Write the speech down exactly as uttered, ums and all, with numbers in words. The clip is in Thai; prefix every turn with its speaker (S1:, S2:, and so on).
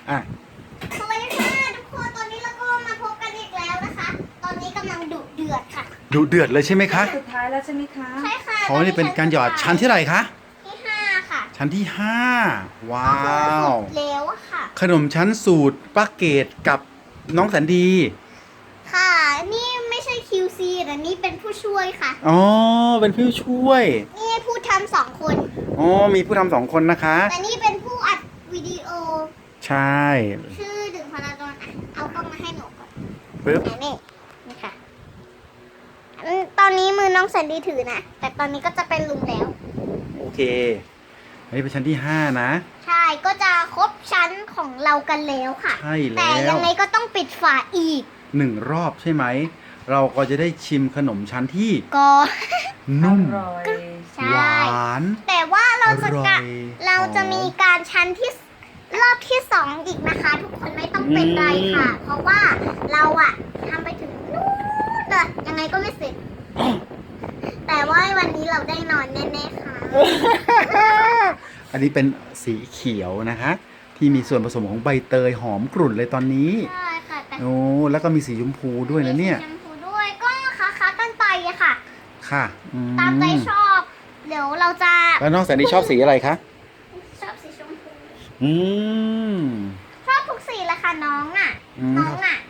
S1: อ่ะ
S2: สวัสดีค่ะทุกคนตอนนี้เราก็มาพบกันอีกแล้วนะคะ ตอนนี้กำลังดุเดือดค่ะ
S1: ดุเดือดเลยใช่ไหมคะ
S3: สุดท้ายแล้วใช่ไหมคะ
S2: ใช่ค่ะ
S1: เพราะว่านี่เป็นการหยอดชั้นที่เท่าไหร่คะ
S2: ที่ห้าค่ะ
S1: ชั้นที่ห้าว้า
S2: ก็คือ
S1: ว
S2: สุดแล้วอะค่ะ
S1: ขนมชั้นสูตรป้าเกดกับน้องแสนดี
S2: ค่ะ นี่ไม่ใช่ คิว ซี แต่นี่เป็นผู้ช่วยค่ะ
S1: อ๋อเป็นผู้ช่วย
S2: นี่ผู้ทำสองคน
S1: อ๋อมีผู้ทำสองคนนะคะ
S2: แต่นี่เป็นผู้อัดวิดีโอ
S1: ใช่
S2: ชื่อดึงพลาดอนอ่ะเอากล้องมาให้หนูก่อน
S1: ปึ๊บ
S2: ไหนนี่นี่ค่ะอืมตอนนี้มือน้องแสนดีถือนะ แต่ตอนนี้ก็จะเป็นลุงแล้ว
S1: โอเคอันนี้เป็นชั้นที่ห้านะ
S2: ใช่ ก็จะครบชั้นของเรากันแล้วค่ะ
S1: ใช่แล้ว
S2: แต่ยังไงก็ต้องปิดฝาอีก
S1: หนึ่งรอบใช่ไหม เราก็จะได้ชิมขนมชั้นที่
S2: ก็
S1: นุ่ม
S3: อร่อย
S2: ใช่
S1: หวาน
S2: แต่ว่าเราจะ
S1: อร่อย
S2: กะเราจะ
S1: หอม
S2: มีการชั้นที่รอบที่สองอีกนะคะ ทุกคนไม่ต้องเป็นไรค่ะ เพราะว่าเราอะทำไปถึงนู่นเลยยังไงก็ไม่เสร็จ แต่ว่าวันนี้เราได้นอนแน่ๆค่ะ
S1: อันนี้เป็นสีเขียวนะคะ ที่มีส่วนผสมของใบเตยหอมกรุ่นเลยตอนนี้
S2: ใช่ค่ะแต่
S1: โอ้แล้วก็มีสีชมพูด้วยนะเนี่ย
S2: มีสีชมพูด้วยก็ค้าๆกันไปอะค่ะ
S1: ค่ะอื
S2: ตามใจชอบ เดี๋ยวเราจะ
S1: แล้วน้องแสนดีชอบสีอะไรคะ
S2: ชอบสีชมพู
S1: อืม
S2: ชอบทุกสีเลยค่ะน้องอ่ะ
S1: อืม
S2: น้องอ่ะ